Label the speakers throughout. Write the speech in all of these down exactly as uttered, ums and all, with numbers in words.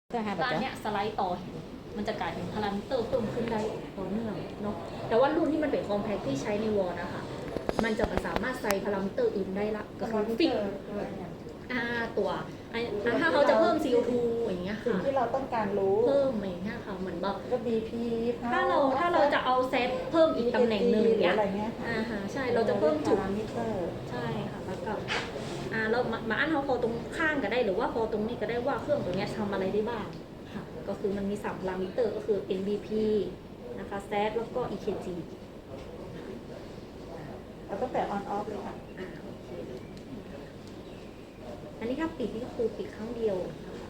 Speaker 1: ตอนเนี้ยสไลด์ต่อมันจะกลายเป็นพารามิเตอร์เพิ่มขึ้นได้ต่อเนื่องเนาะแต่ว่ารุ่นที่มันเป็นคอมแพคที่ใช้ในวอลนะคะมันจะสามารถใส่พารามิเตอร์อื่นได้ละก็คือฟิกอ่าตัวถ้าเขาจะเพิ่ม ซี โอ ทู อย่างเงี้ยค่ะ
Speaker 2: ที่เราต้องการรู้
Speaker 1: เพิ่มอย่างเงี้ยค่ะเหมือนแบบ
Speaker 2: ก็ บี พี
Speaker 1: ถ้าเราถ้าเราจะเอาเซตเพิ่มอีกตำแหน่งหนึ่งเนี้ยอ่าฮะใช่เราจะเพิ่มจุดใช่ค่ะแล้วก็อ่าเรามาอันเขาพอตรงข้างก็ได้หรือว่าพอตรงนี้ก็ได้ว่าเครื่องตัวเนี้ยทำอะไรได้บ้างค่ะก็คือมันมีสามพารามิเตอร์ก็คือ เอ็น บี พี นะคะ แซด แล้วก็ อี เค จี
Speaker 2: เราตั้งแต่ on off เลยค่ะ
Speaker 1: อันนี้ถ้าปิดนี่ก็คือปิดครั้งเดียว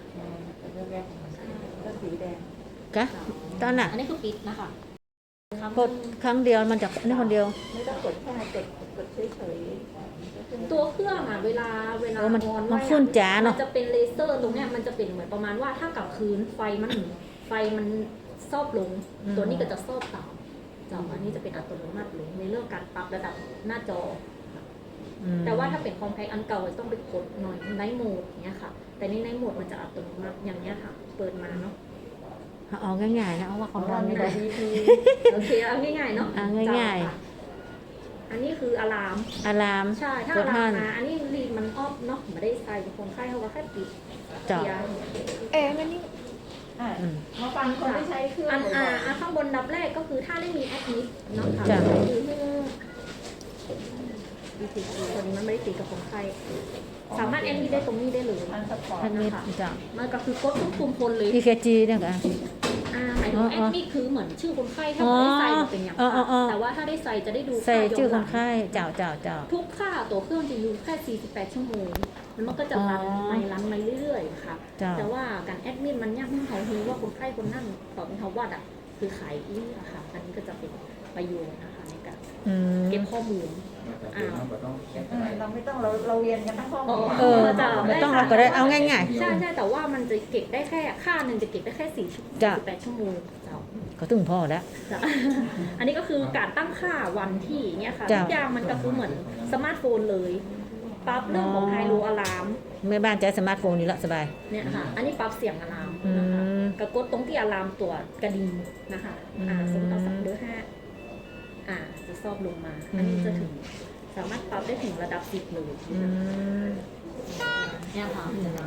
Speaker 2: ก็สีแดง
Speaker 3: กะตอนน่ะ
Speaker 1: อันนี้คือปิดนะคะ
Speaker 3: กดครั้งเดียวมันจะอันนี้คนเดียว
Speaker 2: ไม่ต้องกดแค่กดกดเฉย
Speaker 1: ๆตัวเครื่องอ่ะเวลาเวลา
Speaker 3: มันมันฟุ้นจ๋าเนาะ
Speaker 1: มันจะเป็นเลเซอร์ตรงเนี้ยมันจะเป็นเหมือนประมาณว่าถ้ากลับคืนไฟมันไฟมันซอบลงตัวนี้ก็จะซอบต่ำจออันนี้จะเป็นอัตโนมัติเลยในเรื่องการปรับระดับหน้าจอแต่ว่าถ้าเป็นคอมแพคอันเก่าต้องไปกดหน่อยไนท์โหมดเนี้ยค่ะแต่นี่ไนท์โหมดมันจะอัตโนมัติอย่างเนี้ยค่ะเปิดมาเนาะ
Speaker 3: เอาง่ายๆนะเอาว่าของเราไม่ได้
Speaker 1: โอเคเอาง่ายๆเนาะ
Speaker 3: เอาง่าย
Speaker 1: ๆอันนี้คืออะลาม
Speaker 3: อะลาม
Speaker 1: ใช่ถ้าอะลามมาอันนี้รีดมันออฟเนาะไม่ได้ใส่คนไข้เขาก็แค่ปิด
Speaker 3: จับ
Speaker 2: เอ๊ะมันนี่มาฟังคนที่ใช้เครื่อง
Speaker 1: อันอ่าข้างบนดับแรกก็คือถ้าได้มีแอดมิดเนาะค่ะคือดีติดตัวนี้มันไม่ได้ติดกับคนไข้สามารถแอดมิดได้ตรงนี้ได้เลย
Speaker 2: อันสปอร์ต
Speaker 1: นะคะมันก็คือกดทุกปุ่มพลเลย
Speaker 3: อี เค จี เนี่ยค่ะ
Speaker 1: อ่าหมายถึงแอดมิดคือเหมือนชื่อคนไข้ถ้าไม่ได้ใส่เป็นอย่างแต่ว่าถ้าได้ใส่จะได้ดู
Speaker 3: ใส่ชื่อคนไข้เจ้าเจ้าเจ้า
Speaker 1: ทุกค่าตัวเครื่องจะอยู่แค่สี่สิบแปดชั่วโมงมันก็จะรันไปรันไปเรื่อยๆค่ะแต่ว่าการแอดมิดมันยากที่เขารู้ว่าคนไข้คนนั่นตอนเขาวัดอ่ะคือขายอีอะค่ะอันนี้ก็จะเป็นประโยชน์นะคะในการเก็บข้อมูล
Speaker 2: เราไม่ต้องเราเราเรียนกันทั้งห้อง
Speaker 3: เออไม่ต้องเราก็ได้เอาง่าย
Speaker 1: ๆใช่ใช่แต่ว่ามันจะเก็บได้แค่ค่าหนึ่งจะเก็บได้แค่สี่สิบแปดชั่วโมง
Speaker 3: ก็ถึงพอแล้ว
Speaker 1: อันนี้ก็คือการตั้งค่าวันที่เนี่ยค่ะทุกอย่างมันก็คือเหมือนสมาร์ทโฟนเลยปรับเรื่องของไฮโลอะลาม
Speaker 3: แม่บ้านใช้สมาร์ทโฟนนี่ละสบาย
Speaker 1: เนี่ยค่ะอันนี้ปรับเสียงอะลามนะคะกดกดตรงที่อะลามตัวกระดิ่งนะคะอ่าสมมติเราสั่งเบอร์ห้าอ่าจะซอบลงมาอันนี้จะถึงสามารถปรับได้ถึงระดับสิบเลยเนี่ยค่ะ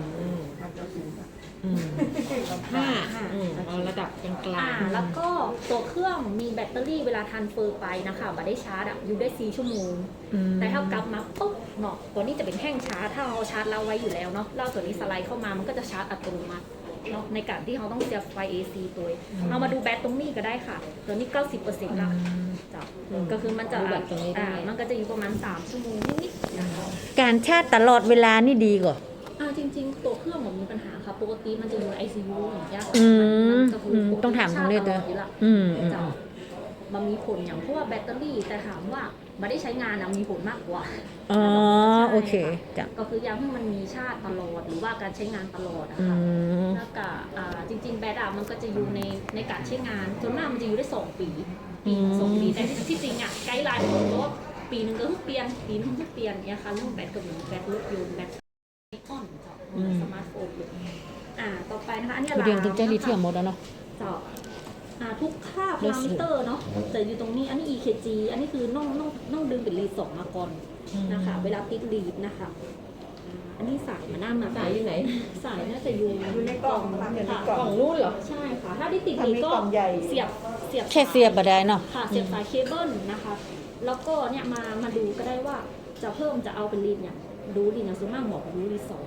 Speaker 3: ห้าเอาระดับกลาง
Speaker 1: ๆแล้วก็ตัวเครื่องมีแบตเตอรี่เวลาทรานสเฟอร์ไปนะคะบัตรได้ชาร์จอ่ะอยู่ได้สี่ชั่วโมงแต่ถ้ากลับมาปุ๊บเนาะตัวนี้จะเป็นแท่งชาร์จถ้าเราชาร์จเราไว้อยู่แล้วเนาะเราตัวนี้สไลด์เข้ามามันก็จะชาร์จอัตโนมัติเนาะในการที่เขาต้องเสียบไฟ เอ ซี ตัวเอามาดูแบตตรงนี้ก็ได้ค่ะตัวนี้ เก้าสิบเปอร์เซ็นต์ ละจ้ะก็คือมันจะอ่ามันก็จะอยู่ประมาณสามชั่วโมงนิดๆนะคะ
Speaker 3: การชาร์จตลอดเวลานี่ดีกว่า
Speaker 1: อ่าจริงๆตัวเครื่องมันมีปัญหาค่ะปกติมันจะอยู่ใน ไอ ซี ยู อย่างเงี้ย
Speaker 3: ต้องถามตรงนี้ด้วย
Speaker 1: อืมมันมีผลอย่างเพราะว่าแบตเตอรี่แต่ถามว่าไม่ได้ใช้งานนะมีผลมากกว่า
Speaker 3: อ๋อโอเค
Speaker 1: จ้ะก็คืออย่างที่มันมีชาติตลอดหรือว่าการใช้งานตลอดนะคะแล้วก็จริงๆแบตอะมันก็จะอยู่ในในการใช้งานส่วนมากมันจะอยู่ได้สองปีปีสองปีแต่ที่จริงอะไกด์ไลน์บอกว่าปีหนึ่งก็ทุกเปลี่ยนปีนึงทุกเปลี่ยนเนี่ยค่ะเรื่องแบตกับแบตรถยนต์แบตไอคอนจ้ะสมาร์ทโฟนอ่าต่อไปนะคะอันนี้
Speaker 3: เราเรียนถึงใจลิเธียมหมดแล้วเนาะ
Speaker 1: จ้ะทุกค่าพารามิเตอร์เนาะแต่อยู่ตรงนี้อันนี้ อี เค จี อันนี้คือน้องน้องน้องดึงเป็นรีดสองมาก่อนนะคะเวลาติดรีดนะคะอันนี้สายมาหน้ามา
Speaker 2: สายอยู่ไหน
Speaker 1: สายน่าจะอยู่
Speaker 2: อยู่ในกล่อง
Speaker 1: ค่ะกล่องรุ่นเหรอใช่ค่ะถ้าที่ติดรีดก็เสียบเสียบ
Speaker 3: แค่เสียบก็ได้เนาะ
Speaker 1: ค่ะเสียบสายเคเบิลนะคะแล้วก็เนี่ยมามาดูก็ได้ว่าจะเพิ่มจะเอาเป็นรีดเนี่ยดูรีดนะส่วนมากบอกดูรีดสอง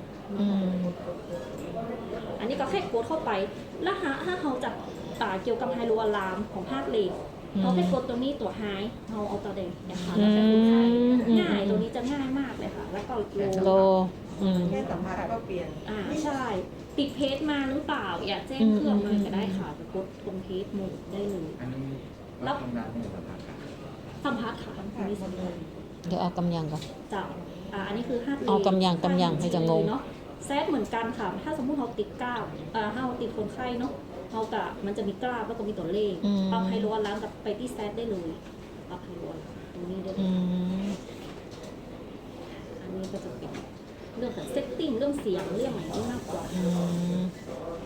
Speaker 1: อันนี้ก็แค่กดเข้าไปแล้วถ้าเขาจะเกี่ยวกับไฮโลอะลามของภาคเลนเขาแค่กดตรงนี้ตัวไฮเขาเอาตัวเด่นนะคะแล้วแต่คุณใช้ง่ายตัวนี้จะง่ายมากเลยค่ะแล้วก็
Speaker 3: โล
Speaker 2: แค่สัมภาระก็เปลี่ยน
Speaker 1: อ่าใช่ติดเพจมาหรือเปล่าอยากแจ้งเครื่องมาก็ได้ค่ะจะกดตรงเพจหมดได้เลยแล้วสัมภาระค่ะอันนี้สัมภาระ
Speaker 3: เดี๋ยวเอากำยังก่อน
Speaker 1: จ้ะอ่าอันนี้คือห้า
Speaker 3: เอากำยังกำยังให้จะงง
Speaker 1: เนาะแซดเหมือนกันค่ะถ้าสมมุติเขาติดก้าวอ่าเขาติดคนไข้เนาะเขากะมันจะมีกราฟแล้วก็มีตัวเลขปรับไฮโลล้างกับไปที่แซดได้เลยปรับไฮโลตรงนี้ได้เลยอันนี้ก็จะเป็นเรื่องของเซตติ้งเรื่องเสียงเรื่องอะไรที่มากกว่าของเขา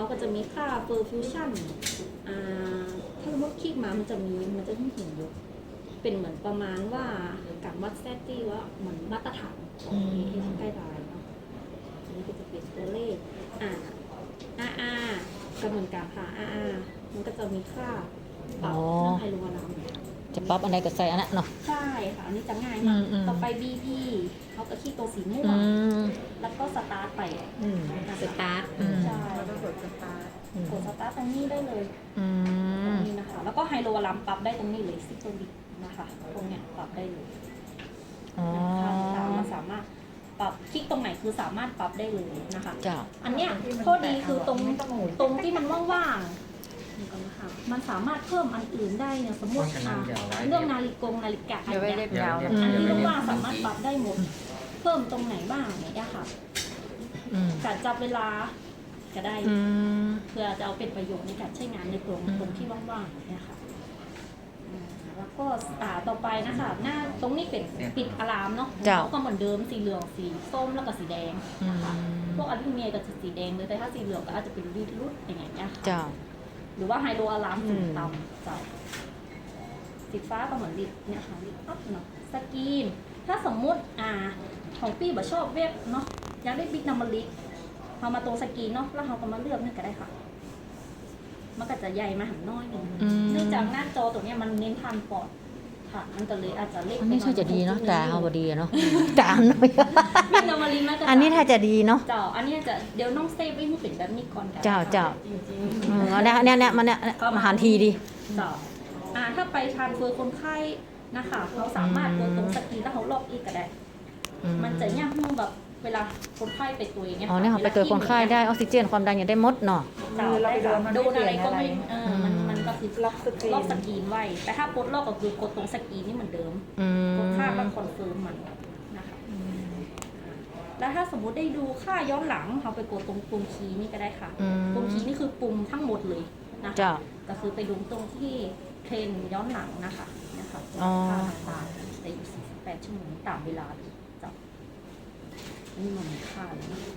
Speaker 1: เขาก็จะมีค่าเฟอร์ฟิวชั่นอ่าถ้าสมมติคลิกมามันจะมีมันจะมีเห็นอยู่เป็นเหมือนประมาณว่าการวัดแซตตี้ว่าเหมือนมาตรฐานของเอเอสใกล้ตายเนาะอันนี้ก็จะเป็นตัวเลขอ่าอาอาก็เหมือนกันค่ะอาอามันก็จะมีค่าปรับเรื่องไฮโลวารัม
Speaker 2: จะปรับอันใดก็ใส่อันนั้นเนาะ
Speaker 1: ใช่ค่ะ อันนี้จะง่าย
Speaker 2: อื
Speaker 1: มาก
Speaker 2: มอืม
Speaker 1: ต่อไป บี พี เขาก็ขี้ตัวสีม่ว
Speaker 2: อื
Speaker 1: ง
Speaker 2: ม
Speaker 1: แล้วก็สตาร์ทไป
Speaker 3: อืม
Speaker 1: นะคะ
Speaker 3: สตาร์ท
Speaker 2: อืม
Speaker 1: ใช่
Speaker 3: แล้วก็กดสตาร์ท
Speaker 1: กดสตาร์ทตรงนี้ได้เลย
Speaker 2: อื
Speaker 1: ตร
Speaker 2: ม
Speaker 1: งนี้นะคะ แล้วก็ไฮโลวารัมปรับได้ตรงนี้เลยซิโตลิกนะคะ ตรงเนี้ยปรับได้เลย
Speaker 2: อ๋อ
Speaker 1: ค่าต่างๆเราสามารถปรับคลิกตรงไหนคือสามารถปรับได้เลยนะคะ
Speaker 2: เจ้า
Speaker 1: อันเนี้ยข้อดีคือตรงตรงที่มันว่างๆนี่ก่อนนะคะมันสามารถเพิ่มอันอื่นได้เนี่ยสมมติอ่ะเรื่องนาฬิกงนาฬิกา
Speaker 3: เดี๋ยวไว้เล็บยาว
Speaker 2: อื
Speaker 1: อัน
Speaker 2: ม
Speaker 1: ที่ว่างๆสามารถปรับได้หมด เพิ่มตรงไหนบ้างเนี่ยค่ะ
Speaker 2: อืม
Speaker 1: การจับเวลาก็ได้
Speaker 2: อืม
Speaker 1: เพื่อจะเอาเป็นประโยชน์ในการใช้งานในตรง
Speaker 2: อืม
Speaker 1: ตรงที่ว่างๆเนี่ยค่ะอ่าแล้วก็อ่าต่อไปนะคะหน้าตรงนี้เป็นปิดอะลามเนาะ
Speaker 2: เจ้า
Speaker 1: เขาก็เหมือนเดิมสีเหลืองสีส้มแล้วก็สีแดง
Speaker 2: อื
Speaker 1: นะคะ
Speaker 2: ม
Speaker 1: พวกอะลูมิเนียมก็จะสีแดงเลยแต่ถ้าสีเหลืองก็อาจจะเป็นรีดรุดอย่างเงี้ยค่ะ
Speaker 2: เจ้า
Speaker 1: หรือว่าไฮโดรอะลามสูง
Speaker 2: อืม
Speaker 1: ต่ำเจ้าสีฟ้าก็เหมือนลิดเนี่ยค่ะลิดอัพเนาะสกรีนถ้าสมมุติอ่าของพี่บ่ชอบเว็บเนาะอยากได้บิ๊กนัมเบอร์ลิกเรามาตรงสกรีนเนาะแล้วเราก็มาเลือกนี่ก็ได้ค่ะ มันก็จะใหญ่มาหันน้อยหนึ่ง
Speaker 2: อืม
Speaker 1: เนื่องจากหน้าจอตัวเนี้ยมันเน้นทานปอดค่ะ มันก็เลยอาจจะเล็ก
Speaker 2: อันนี้
Speaker 1: ไปห
Speaker 2: ถ้าจะดีเนาะตาเอาบ่ดีอะเนาะตาหน่อย
Speaker 1: บิ๊กนัมเบอร์ลิกน่าจะ
Speaker 2: อันนี้ถ้าจะดีเนาะ
Speaker 1: เจ้าอันนี้จะเดี๋ยวน้องเซฟไว้ให้เป็นแบบนี้ก่อนกัน
Speaker 2: เจ้าเจ้า
Speaker 1: จริง
Speaker 2: อืมเอาเนี่ยเนี่ยเนี่ยมันเนี่ยมาหารทีดี
Speaker 1: ๆเจ้าอ่าถ้าไปทานเฟอร์คนไข้นะคะเขาสามารถกดตรงสกรีนแล้วเขาลอกอีกก็ได้
Speaker 2: อื
Speaker 1: มันจะยากมากแบบเวลาคนไข้ไปตัวอย่างเงี้ย
Speaker 2: อ๋อเนี่ยค่ะไปเกิดคนไข้ได้ออกซิเจนความดันอย่าได้หมดเนาะ
Speaker 1: เจ้า
Speaker 3: เรา
Speaker 1: ได้
Speaker 3: ไปโด
Speaker 1: ค่ะ
Speaker 3: นมัน
Speaker 1: โดนอะไรก็
Speaker 3: ไม่
Speaker 1: ไม่
Speaker 3: เปลี่ยนอะไร
Speaker 1: เออมัน
Speaker 2: อืม
Speaker 1: มันก็คือ
Speaker 3: ล็อกสกรีน
Speaker 1: ล็อกสกรีนไว้ แต่ถ้าปลดล็อกก็คือกดตรงสกรีนนี่เหมือนเดิม
Speaker 2: อืม
Speaker 1: กดค่าแล้วคอนเฟิร์มมันนะคะแล้วถ้าสมมุติได้ดูค่าย้อนหลังเราไปกดตรงปุ่มคีย์นี่ก็ได้ค่ะ
Speaker 2: อืม
Speaker 1: ปุ่มคีย์นี่คือปุ่มทั้งหมดเลยนะคะ
Speaker 2: เจ้า
Speaker 1: ก็คือไปดูตรงที่เทรนย้อนหลังนะคะนะคะ
Speaker 2: อ๋อ
Speaker 1: ค่าต่างๆในอยู่สี่สิบแปดชั่วโมงตามเวลาเลยจ้ะนี่มันมีค่าเลยนะ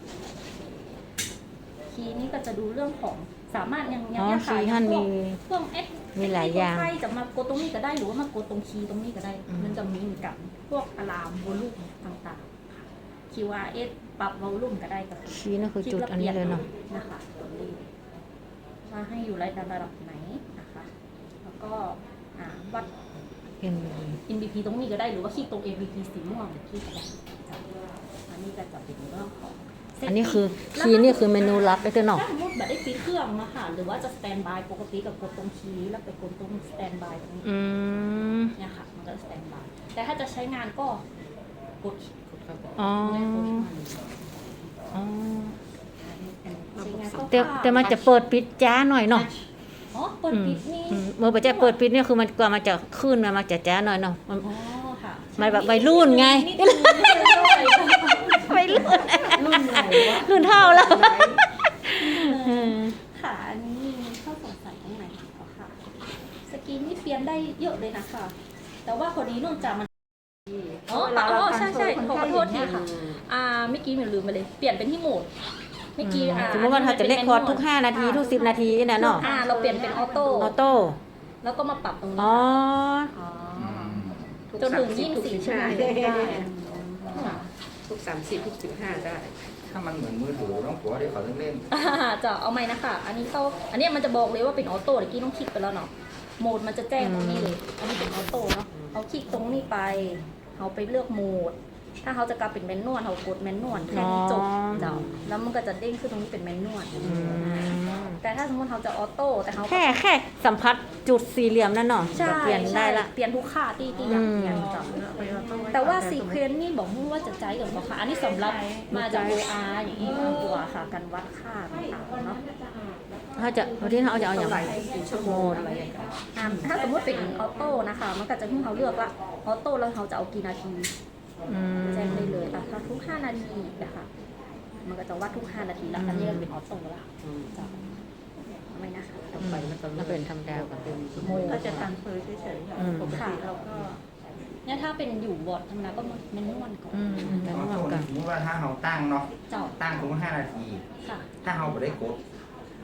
Speaker 1: คีย์นี้ก็จะดูเรื่องของสามารถยังยัง
Speaker 2: อ๋อ
Speaker 1: เนี่ย
Speaker 2: คี
Speaker 1: ค่ะ
Speaker 2: ย์ท่าน
Speaker 1: พว
Speaker 2: มี
Speaker 1: กเครื่องเอ็ก
Speaker 2: มีหลายอย่าง
Speaker 1: ใครจะมากดตรงนี้ก็ได้หรือว่ามากดตรงคีย์ตรงนี้ก็ได้
Speaker 2: อืม
Speaker 1: มันจะมีเหมือนกันพวกอะลามวอลลุ่มต่างๆค่ะ คิว อาร์ เอส ปรับวอลลุ่มก็ได้ก็คือ
Speaker 2: ชี้นั่นคือจุดอันนี้เลยเนาะ
Speaker 1: นะคะตัวเลขว่าให้อยู่ระดับไหนนะคะ แล้วก็อ่าวัด
Speaker 2: เอ็น
Speaker 1: เอ็น บี พี ตรงนี้ก็ได้หรือว่าคลิกตรง เอ็ม บี พี สีม่วงคลิกก็ได้อันนี้ก็จะเป็นเรื่องของ
Speaker 2: อันนี้คือคีย์นี่คือเมนูลับไอ้ตัวเนาะ
Speaker 1: ถ้าสมมติแบบได้ปิดเครื่องนะคะหรือว่าจะสแตนบายปกติกับกดตรงคีย์แล้วไปกดตรงสแตนบายตรงนี้
Speaker 2: อืม
Speaker 1: เนี่ยค่ะมันก็สแตนบายแต่ถ้าจะใช้งานก็กด
Speaker 2: อ๋อ
Speaker 1: ไม่กดมัน
Speaker 2: อ๋อ
Speaker 1: ใช้งานก็
Speaker 2: แต่แต่มันจะเปิดปิดจ้าหน่อยเนาะ
Speaker 1: อ๋อเปิดปิดนี่
Speaker 2: อืมเมื่อไปจะเปิดปิดเนี่ยคือมันกว่ามันจะขึ้นมามันจะจ้าหน่อยเนาะมัน
Speaker 1: อ๋อค่ะ
Speaker 2: มันแบบวัยรุ่นไง
Speaker 1: นิดนึงนิดนึง
Speaker 2: ไม่รุ่น
Speaker 3: รุ่นไหนวะ
Speaker 2: รุ่นเท่าแล้วอืม
Speaker 1: ค่ะอันนี้มีข้อสงสัยตรงไหนเหรอค่ะสกรีนนี่เปลี่ยนได้เยอะเลยนะคะแต่ว่าคนนี้เนื่องจากมันอ๋ออ๋อใช่ใช่ขอโทษทีค่ะ อ่าเมื่อกี้หนูลืมไปเลย เปลี่ยนเป็นที่โหมดเมื่อกี้อ่า
Speaker 2: สมมติว่าเราจะเลคคอร์ดทุกห้านาทีทุกสิบนาทีนะเนาะ
Speaker 1: อ่าเราเปลี่ยนเป็นออโต้
Speaker 2: ออโต้
Speaker 1: แล้วก็มาปรับตรงนี้
Speaker 2: อ๋อ
Speaker 1: อ๋อจนถึงยี่สิบสี่ชั่วโมงได้ค่ะ
Speaker 3: ทุกสามสิบทุกสิบห้าได้
Speaker 4: ถ้ามันเหมือนมือถือน้องผัวได้เขาเล่น
Speaker 1: อ่าจะเอาไหมนะคะ อันนี้เขาอันเนี้ยมันจะบอกเลยว่าเป็นออโต้เมื่อกี้ต้องคลิกไปแล้วเนาะโหมดมันจะแจ้งตรงนี้เลย อันนี้เป็นออโต้เนาะเขาคลิกตรงนี้ไปเขาไปเลือกโหมด ถ้าเขาจะกลับเป็นแมนนวลเขากดแมนนวลแค่นี้จบ
Speaker 2: อ๋อ
Speaker 1: เจ้าแล้วมันก็จะเด้งขึ้นตรงนี้เป็นแมนนวล
Speaker 2: อืม
Speaker 1: แต่ถ้าสมมติเขาจะออโต้แต่เขา
Speaker 2: แค่แค่สัมผัสจุดสี่เหลี่ยมนั่นเนาะ
Speaker 1: ใช่
Speaker 2: ก็เปลี่ยนได้ละ
Speaker 1: ใช่เปลี่ยนทุกค่าที่ที่อยากเปลี่ยน
Speaker 2: อืม
Speaker 1: จ้ะแต่ว่าซีเควนซ์นี่บอกว่าจะใจกับเขาค่ะ อันนี้สำหรับมาจาก โอ อาร์ อย่างนี้มากกว่าค่ะการวัดค่าต่างๆเนาะ
Speaker 2: ถ้าจะวันที่เขาจะเอาอย่างไร
Speaker 3: ชั่วโมงอะไรอย่างเงี้ย
Speaker 1: อ่าถ้าสมมติเป็นออโต้นะคะ มันก็จะให้เขาเลือกว่าออโต้แล้วเขาจะเอากี่นาที
Speaker 2: อืม
Speaker 1: แจ้งได้เลยอ่ะถ้าทุกห้านาทีนะคะมันก็จะวัดทุกห้านาทีแล้วอันนี้เป็นออโต้ละจ้ะไม่นะคะ
Speaker 3: ต่อไปมันจะ
Speaker 2: แล้วเป็นธรรมดาก่อน
Speaker 3: เป็นชั่วโม
Speaker 1: โม
Speaker 3: ง
Speaker 1: ง
Speaker 3: ก็จะตันเฟยเฉย
Speaker 2: อืม
Speaker 3: ๆปกติเราก็
Speaker 1: เนี่ยถ้าเป็นอยู่บอร์ดธรรมดาก็มันนวลก่อน
Speaker 2: อืม
Speaker 4: ๆ
Speaker 2: แต่
Speaker 4: เอา
Speaker 2: ว่า
Speaker 4: ส่วน
Speaker 2: กัน
Speaker 4: สมมติว่าถ้าเราตั้งเนาะ
Speaker 1: เจ้า
Speaker 4: ตั้งสมมติห้านาที
Speaker 1: ค่ะ
Speaker 4: ถ้าเราไปได้กด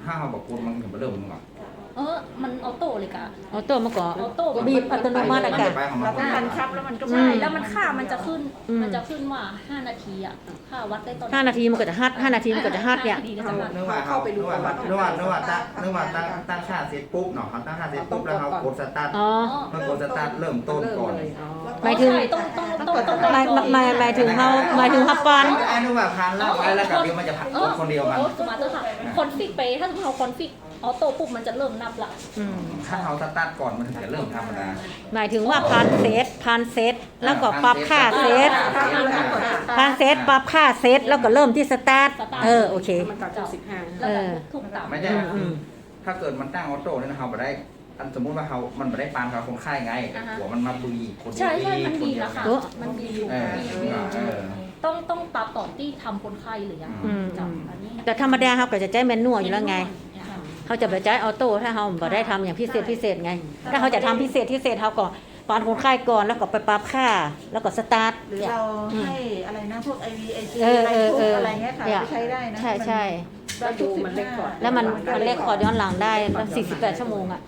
Speaker 4: ถ้าเขาบอกคุณมันถึงมาเริ่มมึงก่อน
Speaker 1: เออมันออโต้เลยกะ
Speaker 2: ออโต้มาก่อน
Speaker 1: ออโต้
Speaker 2: บีบอัตโนมัติอะ
Speaker 4: มัน
Speaker 2: กะ
Speaker 4: จะไปของมั
Speaker 2: เรา
Speaker 4: น
Speaker 2: ต้องบังคับแล้วมันก็
Speaker 1: ใช่แล้วมันค่ามันจะขึ้น
Speaker 2: อืม
Speaker 1: มันจะขึ้นว่าห้านาทีอ่ะค่าวัดได้ตอน
Speaker 2: ห้านาทีมันก็จะฮัดห้านาทีมันก็จะฮัดเนี่ย
Speaker 1: ห้าาทีก็จะฮัด
Speaker 4: นึกว่าเขานึกว่านึกว่านึกว่าตั้งนึกว่าตั้งตั้งค่าเสร็จปุ๊บเนาะเขาตั้งค่าเสร็จปุ๊บแล้วเขากดสตาร์ท
Speaker 2: อ๋อ
Speaker 4: เมื่อกดสตาร์ทเริ่มต้นก่อน
Speaker 2: หมายถึง
Speaker 1: ใช่ต้องต้องต้องต้อง
Speaker 2: หมายหมายหมายถึงเขาหมายถึงฮับก่อน
Speaker 4: ไอ้นึกว่าพันแล้วไว้แล้วกับเดียวมันจะผัด
Speaker 1: เออ
Speaker 4: คนเดียวมัน
Speaker 1: โอ้สมาร์ทค่ะคอนฟิกไปถ้าสมมติเราคอนฟิกออโต้ปุ๊บมันจะเริ่มนับละ
Speaker 2: อืม
Speaker 4: ถ้าเขาสตาร์ทก่อนมันถึงจะเริ่มธรรมดา
Speaker 2: หมายถึงว่าพันเซตพันเซตแล้วก็ปรับค่าเซตพันเซตปรับค่าเซตแล้วก็เริ่มที่สตาร์ทเออโอเค
Speaker 3: มันต่อจากสิบห้า
Speaker 1: แล้วก็ทุกต่ำ
Speaker 4: ไม่ใช่
Speaker 2: อืม
Speaker 4: ถ้าเกิดมันตั้งออโต้เนี่ยนะเขาไม่ได้อันสมมุติว่าเขามันไม่ได้ปานเขาคนไข้ไงหัวมันมาบุยคนเดียว
Speaker 1: ใช่ใช่มัน
Speaker 4: ค
Speaker 1: ดี
Speaker 4: เยว
Speaker 1: แล้วค่ะ
Speaker 2: โอ้
Speaker 1: มันดีอยู่
Speaker 4: เออ
Speaker 1: ดีอยู่ดีอยู่
Speaker 4: เออ
Speaker 1: ต้องต้องปรับก่อนที่ทำคนไข้หรือยัง
Speaker 2: อืม
Speaker 1: จับอันนี้
Speaker 2: แต่ธรรมดาเขาก็จะใช้แมนนวลอยู่แล้วไง เขาจะไปใช้ออโต้ถ้าเขาบ่ได้ทำอย่างพิเศษพิเศษไง ถ้าเขาจะทำพิเศษพิเศษเขาก็ปานคนไข้ก่อนแล้วก็ไปปรับค่าแล้วก็สตาร์ท
Speaker 5: หรือเราให้อะไรนะพวก ไอ วี ไอ จี
Speaker 2: เออ
Speaker 5: อะไร
Speaker 2: เออ
Speaker 5: พว
Speaker 2: เอก อ
Speaker 5: อะไรเงี้ยค่ะ
Speaker 2: เนี่ย
Speaker 5: ไปใช้ได้นะ
Speaker 2: ใช่ใช่
Speaker 5: มัน
Speaker 3: ดูมันเล็กก่อน
Speaker 2: แล้วมันมันเลขคอร์ดย้อนหลังได้สี่สิบแปดชั่วโมงอ่ะ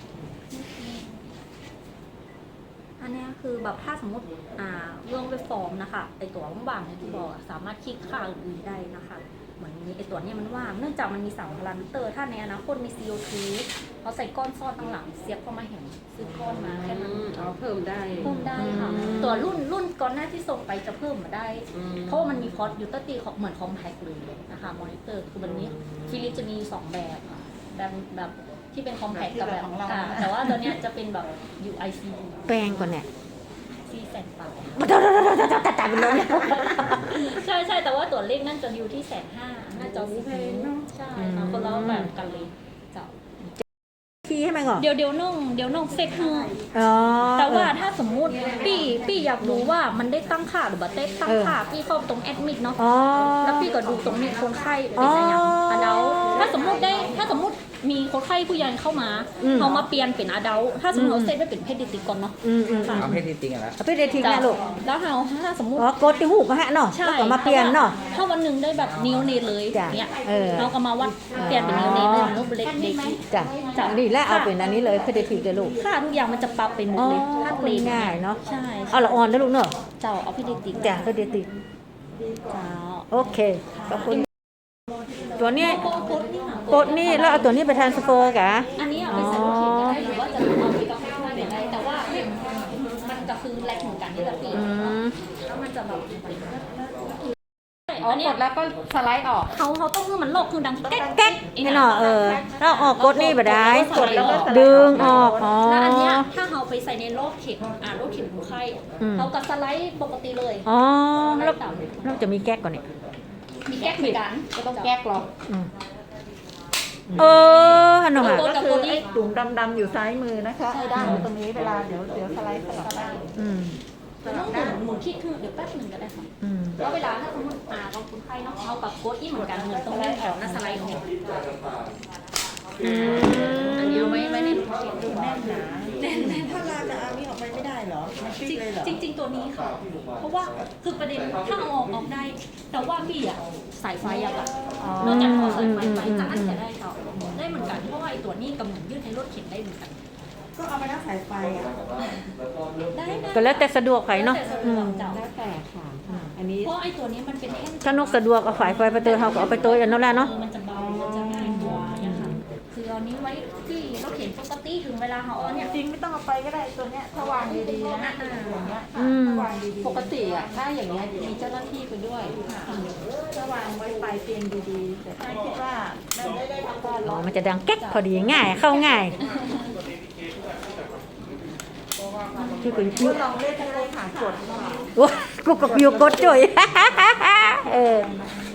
Speaker 1: อันเนี้ยคือแบบถ้าสมมติอ่าเรื่องไปฟอร์มนะคะไอตัวว่างๆเนี่ยที่บอกอะสามารถคลิกค่าอื่นๆได้นะคะเหมือนนี้ไอตัวเนี้ยมันว่างเนื่องจากมันมีสามพารามิเตอร์ถ้าในอนาคตมี ซี โอ ทู เขาใส่ก้อนซ่อนตั้งหลังเสียบเข้ามาเห็นซื้อก้อนมาแค่นั้น
Speaker 3: เอาเพิ่มได้
Speaker 1: เพิ่มได้ค่ะ
Speaker 2: อืม
Speaker 1: ตัวรุ่นรุ่นก่อนหน้าที่ส่งไปจะเพิ่มมาได้
Speaker 3: อืม
Speaker 1: เพราะว่ามันมีพอร์ตยูตตีเหมือนคอมแพคเลยนะคะมอนิเตอร์คือมันนี้ฟิลิปจะมีสองแบบค่ะแบบแบบที่เป็นคอมแพคกับแบบอ่าแต่ว่าตัวเนี้ยจะเป็นแบบ ยู ไอ ซี
Speaker 2: แปลงก่อนเนี่ย
Speaker 1: ซีแสนปลาย
Speaker 2: ตัดไปเลย
Speaker 1: ใช่ใช่แต่ว่าตัวเลขนั่นจะอยู่ที่แสนห้าน่าจะสีใช่ค่ะคนละแบบกันเลยเจ้า
Speaker 2: คีย์ให้มันก่อน
Speaker 1: เดี๋ยวเดี๋ยวน้องเดี๋ยวน้องเซ็กให้
Speaker 2: อ๋อ
Speaker 1: แต่ว่าถ้าสมมุติพี่พี่อยากรู้ว่ามันได้ตั้งค่าหรือบ่ได้ตั้งค่าพี่เข้าตรงแอดมิดเนาะ
Speaker 2: อ๋อ
Speaker 1: แล้วพี่ก็ดูตรงนี้คนไข้เป็นอะไรอย่าง
Speaker 2: อ๋ออั
Speaker 1: อดัลถ้าสมมุติได้ถ้าสมมุติมีคนไข้ผู้ใหญ่เข้ามา
Speaker 2: อืม
Speaker 1: เขามาเปลี่ยนเป็นอดัลถ้าสมมติ
Speaker 2: อืม
Speaker 1: เราเซตไว้เป็นเพศดิติกก่อนเนาะ
Speaker 2: อืมอืม
Speaker 4: เอาเพศที่จริงอะแล้ว
Speaker 2: เอาไปเดทิงนะลูก
Speaker 1: แล้วเราถ้าสมมุติ
Speaker 2: อ๋อกดที่หูก็ฮะเนาะ
Speaker 1: ใช่
Speaker 2: แล้วก็มาเปลี่ยนเนาะ
Speaker 1: ถ้าวันหนึ่งได้แบบนิวเนตเลย
Speaker 2: จ้ะ
Speaker 1: เนี่ย
Speaker 2: เออ
Speaker 1: เราก็มาวัดเปลี่ยนเป็นนิวเนตเลยนิวเล็กเด็ก
Speaker 2: จ้ะจ้ะนี่แล้วเอาเป็นอันนี้เลยเพเดทิงเลยลูก
Speaker 1: ค่าทุกอย่างมันจะปรับไปหมด
Speaker 2: อ๋อ
Speaker 1: เลยถ้าเกรด
Speaker 2: ง่ายเนาะ
Speaker 1: ใช่
Speaker 2: เอาละออนแล้วลูกเนาะ
Speaker 1: เจ้าเอาเพศดิติก
Speaker 2: จ้ะเพเดทิง
Speaker 1: เจ้า
Speaker 2: โอเคขอบคุณตัวนี้
Speaker 1: โกโกดนี่ค่ะ
Speaker 2: กดนี่แล้วเอาตัวนี้ไปทรานสเฟอร์กะ
Speaker 1: อันนี้เอาไปใส่รถเข็นก็ได้หรือว่าจะเอาไปกับข้าวได้ได้แต่ว่ามันก็คือแลกเหมือนกันนี่แหละพี่
Speaker 2: อืม
Speaker 1: แล้วมันจะแบบ
Speaker 3: อ๋อ
Speaker 1: อันเนี้
Speaker 3: ก
Speaker 1: ย
Speaker 3: ดแล้วก็สไลด์ออก
Speaker 1: เขาเขาต้องคือมันโลกคือดังแก๊ก
Speaker 2: แก๊กนี่เนาะเออแล้วออกกดนี่บ่ได้
Speaker 1: กดแล้วก็
Speaker 2: ดึงออกอ๋อ
Speaker 1: แล้วอันเนี้ยถ้าเราไปใส่ในโลกเข็มอ่าโลกเข็มของไข้
Speaker 2: อืม
Speaker 1: เขาก็สไลด์ปกติเลย
Speaker 2: อ๋อ
Speaker 1: สไล
Speaker 2: แล้ว
Speaker 1: ด์ต่ำ
Speaker 2: แล้วจะมีแก๊กก่อนเนี่ย
Speaker 1: มีแก๊กเหมือนกัน
Speaker 3: ก็ต้องแก๊กหรอ
Speaker 2: อืมเออฮันโนฮะ
Speaker 5: ก็คือไอ้ตุ่มดำๆอยู่ซ้ายมือนะคะไอ้ด้านตรงนี้เวลาเดี๋ยวเดี๋ยวสไลด์สลับได้
Speaker 2: อืม
Speaker 1: แล้วต้องหมุนหมุนที่คือเดี๋ยวแป๊บหนึ่งก็ได้ค่ะ
Speaker 2: อืม
Speaker 1: แล้วเวลาถ้าสมมติอ่าเราคนไข้เนาะเขากับโค้ดอีเหมือนกันเหมือนตรงนี้แถวหน้าสไลด์ออก
Speaker 2: อืม
Speaker 1: อันนี้เอาไว้ไว้ในโลกเข็ม
Speaker 5: แน่นหนา
Speaker 1: แน่นแน่น
Speaker 5: ถ้าเราจะเอานี่ออกไปไม่ได้เหรอมันฟิกเลยเหรอ
Speaker 1: จริงจริง ๆ ตัวนี้ค่ะ เพราะว่าคือประเด็นถ้าเอาออกออกได้ แต่ว่าพี่อะสายไฟอะค่ะนอกจากเอาสายไฟไปจะอันจะได้ต่อได้เหมือนกันเพราะว่าไอ้ตัวนี้กำหนดยืดให้รถเข็นได้เหมือนกัน
Speaker 5: ก็เอาไปนั่งสายไฟอ่ะ
Speaker 1: ได้ได้
Speaker 2: ก็แล้วแต่สะดวกไผเนาะ
Speaker 1: แล้วแต่สะด
Speaker 2: อื
Speaker 1: ว
Speaker 2: ม
Speaker 1: กเจ้า
Speaker 3: แล้วแต่ค่ะ อันนี้
Speaker 1: เพราะไอ้ตัวนี้มันเป็นแท่ง
Speaker 2: ถ้านกสะดวกเอาฝายไฟไปเตยเขาก็เอาไปเตยกันนั่นแหละเนาะ
Speaker 1: ออมันจะเบามันจะง่ายกว่าเนี่ยค่ะคือเอานี้ไว้ที่รถเข็นปกติถึงเวลาเขาเอาเนี่ย
Speaker 5: จริงไม่ต้องเอาไปก็ได้ตัวเนี้ยถ้าวางดีๆนะอย่างเงี้ย
Speaker 2: อืม
Speaker 5: ถ้าวางดีๆ
Speaker 3: ปกติอ่ะ ถ้าอย่างเงี้ยมีเจ้าหน้าที่ไปด้วย
Speaker 5: ถ้าวางไว้ปลายเตียงดีๆแต่ถ้าคิดว่าไม่ได้ทำการ
Speaker 2: อ๋
Speaker 5: ร้
Speaker 2: อ
Speaker 5: อน
Speaker 2: มันจะดังแก๊กพอดีง่าย เข้าง่ายที่กู
Speaker 5: ก็ลองเล่นได้เลยค่ะกด
Speaker 2: โอ้กูก็อยู่กดจ่อย เออ